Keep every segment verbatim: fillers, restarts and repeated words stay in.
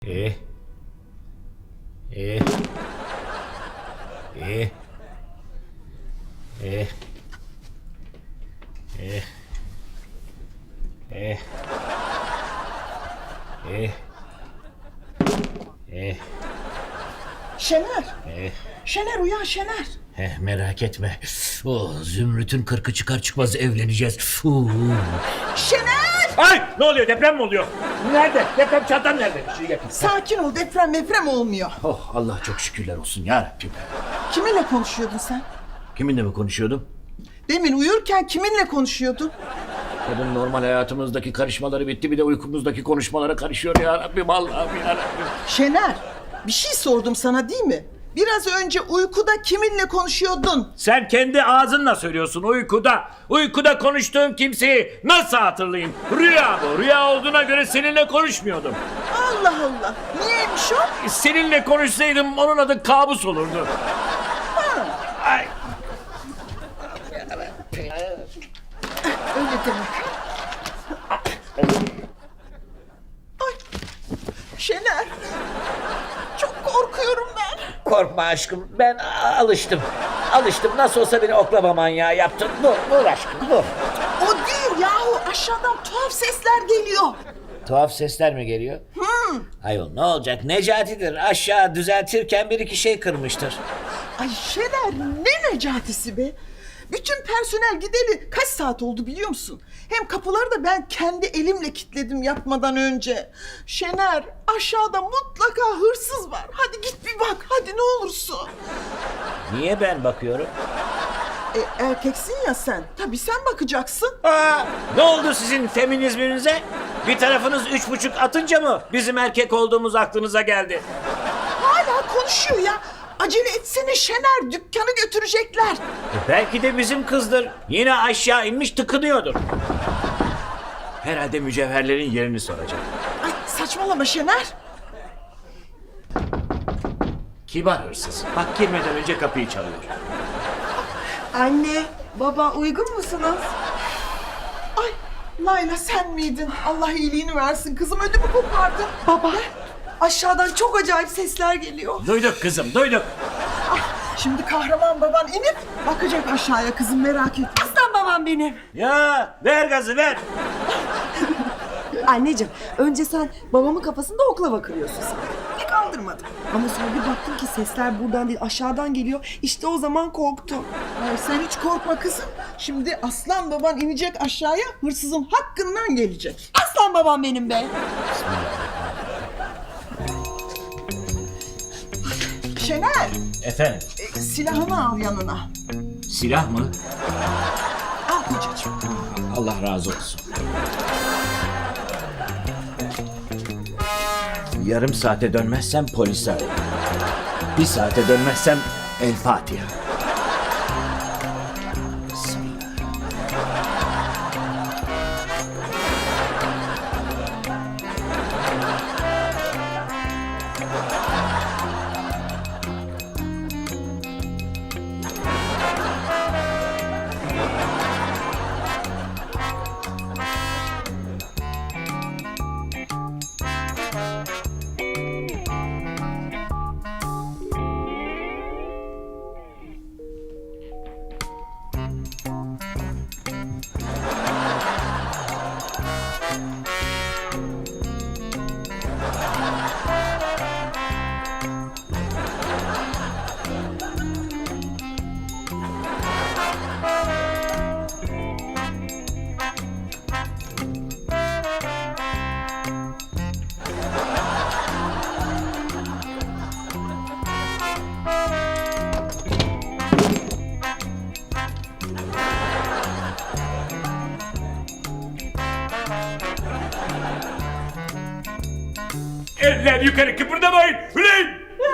İyi. İyi. İyi. İyi. İyi. İyi. İyi. İyi. Şener. İyi. Şener uyan Şener. Heh, merak etme. Oh, Zümrüt'ün kırkı çıkar çıkmaz evleneceğiz. Uh. Şener. Ay, ne oluyor, deprem mi oluyor? Nerede? Deprem çantam nerede? Bir şey getir. Sakin ol, deprem deprem olmuyor. Oh, Allah çok şükürler olsun ya Rabbim. Kiminle konuşuyordun sen? Kiminle mi konuşuyordum? Demin uyurken kiminle konuşuyordun? Kadın normal hayatımızdaki karışmaları bitti, bir de uykumuzdaki konuşmalara karışıyor ya Rabbim, Allah'ım ya Rabbim. Şener, bir şey sordum sana değil mi? Biraz önce uykuda kiminle konuşuyordun? Sen kendi ağzınla söylüyorsun uykuda. Uykuda konuştuğum kimseyi nasıl hatırlayayım? Rüya bu. Rüya olduğuna göre seninle konuşmuyordum. Allah Allah, niyeymiş o? Seninle konuşsaydım onun adı kabus olurdu. Ay. Öyle demek. Ay, Şener, çok korkuyorum ben. Korkma aşkım, ben a- alıştım. Alıştım, nasıl olsa beni oklama manyağı yaptın. Dur, dur aşkım, dur. O değil yahu, aşağıdan tuhaf sesler geliyor. Tuhaf sesler mi geliyor? Hmm. Ayol ne olacak, Necati'dir. Aşağı düzeltirken bir iki şey kırmıştır. Ay Şener, ne Necati'si be? Bütün personel gideli kaç saat oldu biliyor musun? Hem kapıları da ben kendi elimle kilitledim yatmadan önce. Şener, aşağıda mutlaka hırsız var. Hadi git bir bak, hadi ne olursun. Niye ben bakıyorum? E, erkeksin ya sen. Tabii sen bakacaksın. Aa, ne oldu sizin feminizminize? Bir tarafınız üç buçuk atınca mı bizim erkek olduğumuz aklınıza geldi? Hala konuşuyor ya. Acele etsene Şener, dükkanı götürecekler. E, belki de bizim kızdır. Yine aşağı inmiş tıkınıyordur. Herhalde mücevherlerin yerini soracak. Ay saçmalama Şener. Kibar hırsız. Bak girmeden önce kapıyı çalıyor. Anne, baba uygun musunuz? Ay Layla sen miydin? Allah iyiliğini versin kızım, ödümü kopardın. Baba, aşağıdan çok acayip sesler geliyor. Duyduk kızım, duyduk. Şimdi kahraman baban inip bakacak aşağıya kızım, merak etme. Aslan babam benim. Ya ver gazı ver. Anneciğim, önce sen babamın kafasında oklava kırıyorsun sen. Pek aldırmadım. Ama sonra bir baktım ki sesler buradan değil aşağıdan geliyor. İşte o zaman korktum. Ay, sen hiç korkma kızım. Şimdi aslan baban inecek aşağıya, hırsızın hakkından gelecek. Aslan babam benim be. Şener, Efendim, e, silahını al yanına. silah mı? Al kocacığım. Allah razı olsun. Yarım saate dönmezsem polisi ararım. Bir saate dönmezsem El Fatiha. Eller yukarı, kıpırdamayın. Ulan!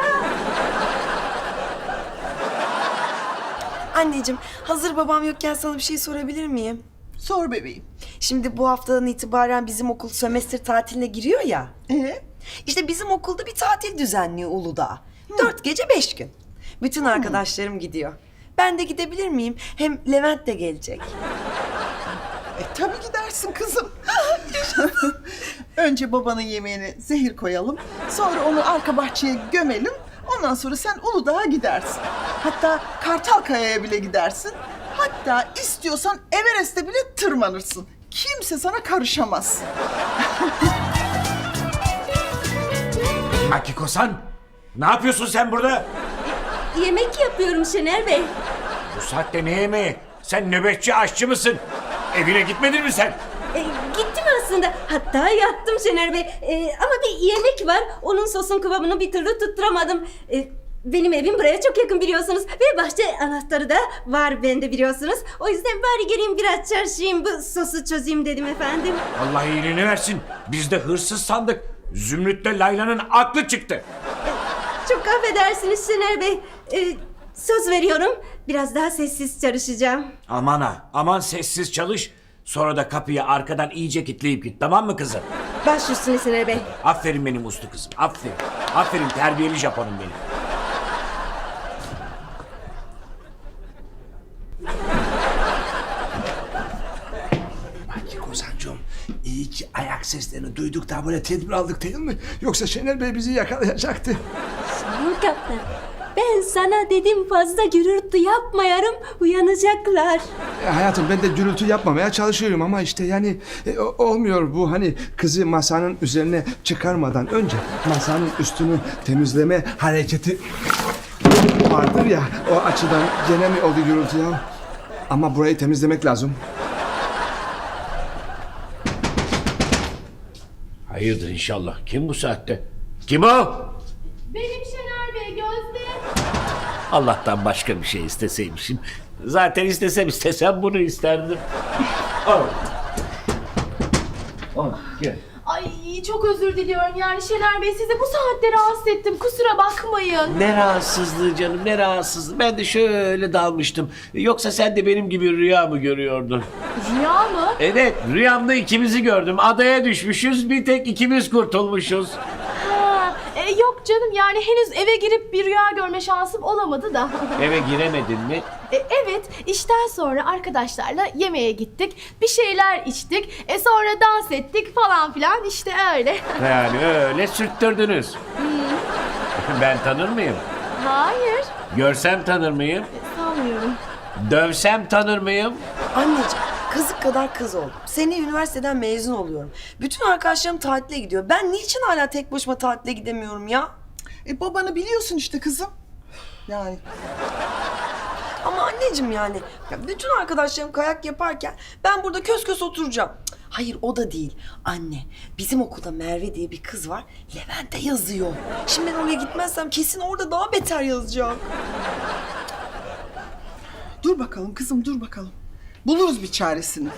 Anneciğim, hazır babam yokken sana bir şey sorabilir miyim? Sor bebeğim. Şimdi bu haftadan itibaren bizim okul sömestr tatiline giriyor ya. Ee? İşte bizim okulda bir tatil düzenliyor Uludağ. Dört gece beş gün. Bütün arkadaşlarım gidiyor. Ben de gidebilir miyim? Hem Levent de gelecek. E tabii gidersin kızım. Yaşasın. Önce babanın yemeğine zehir koyalım. Sonra onu arka bahçeye gömelim. Ondan sonra sen Uludağ'a gidersin. Hatta Kartalkaya'ya bile gidersin. Hatta istiyorsan Everest'e bile tırmanırsın. Kimse sana karışamaz. Akiko-san, ne yapıyorsun sen burada? Yemek yapıyorum Şener Bey. Bu saatte ne yemeği? Sen nöbetçi aşçı mısın? Evine gitmedin mi sen? E, gittim aslında. Hatta yattım Şener Bey. E, ama bir yemek var. Onun sosun kıvamını bir türlü tutturamadım. E, benim evim buraya çok yakın biliyorsunuz. Ve bahçe anahtarı da var bende biliyorsunuz. O yüzden bari geleyim biraz çarşıyım, bu sosu çözeyim dedim efendim. Allah iyiliğini versin. Biz de hırsız sandık. Zümrüt'le Layla'nın aklı çıktı. Çok affedersiniz Şener Bey. E, söz veriyorum. Biraz daha sessiz çalışacağım. Aman ha, aman sessiz çalış. Sonra da kapıyı arkadan iyice kilitleyip git, tamam mı kızım? Baş üstüne Şener Bey. Aferin benim uslu kızım, aferin. Aferin terbiyeli Japonum benim. Kozan'cığım, iyi ki ayak seslerini duyduk da böyle tedbir aldık değil mi? Yoksa Şener Bey bizi yakalayacaktı. Sayın Kaptan, ben sana dedim fazla gürültü yapmayarım, uyanacaklar. E, hayatım ben de gürültü yapmamaya çalışıyorum ama işte yani e, o- olmuyor bu, hani kızı masanın üzerine çıkarmadan önce masanın üstünü temizleme hareketi vardır ya, o açıdan gene mi oldu gürültü ya? Ama burayı temizlemek lazım. Hayırdır inşallah. Kim bu saatte? Kim o? Benim Şener Bey, Gözde. Allah'tan başka bir şey isteseymişim. Zaten istesem istesem bunu isterdim. Al. Al, gel. Ay çok özür diliyorum yani Şener Bey, sizi bu saatte rahatsız ettim, kusura bakmayın. Ne rahatsızlığı canım, ne rahatsızlığı. Ben de şöyle dalmıştım. Yoksa sen de benim gibi rüya mı görüyordun? Rüya mı? Evet, rüyamda ikimizi gördüm. Adaya düşmüşüz, bir tek ikimiz kurtulmuşuz. Ha, e, yok canım, yani henüz eve girip bir rüya görme şansım olamadı da. Eve giremedin mi? E, evet, işten sonra arkadaşlarla yemeğe gittik, bir şeyler içtik, e sonra dans ettik falan filan, işte öyle. Yani öyle sürttürdünüz. Ben tanır mıyım? Hayır, Görsem tanır mıyım? sanmıyorum. Dövsem tanır mıyım? Anneciğim, kazık kadar kız oldum. Seneye üniversiteden mezun oluyorum. Bütün arkadaşlarım tatile gidiyor. Ben niçin hala tek başıma tatile gidemiyorum ya? E babanı biliyorsun işte kızım. Yani Ama anneciğim yani, ya bütün arkadaşlarım kayak yaparken ben burada kös kös oturacağım. Cık, hayır o da değil. Anne, bizim okulda Merve diye bir kız var. Levent'e yazıyor. Şimdi ben oraya gitmezsem kesin orada daha beter yazacak. dur bakalım kızım, dur bakalım. Buluruz bir çaresini.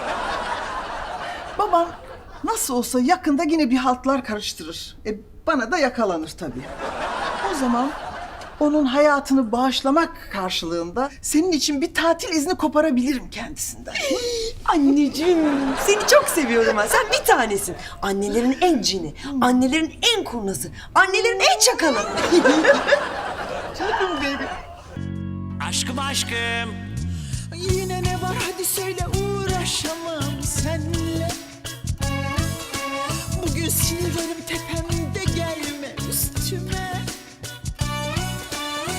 Baban nasıl olsa yakında yine bir haltlar karıştırır. E bana da yakalanır tabii. O zaman onun hayatını bağışlamak karşılığında senin için bir tatil izni koparabilirim kendisinden. Anneciğim, seni çok seviyorum ben. Sen bir tanesin. Annelerin en cini, annelerin en kurnazı, annelerin en çakalı. Canım benim. Aşkım aşkım. Yine ne var hadi söyle, uğraşamam senle. Bugün sinirlerim tepemde.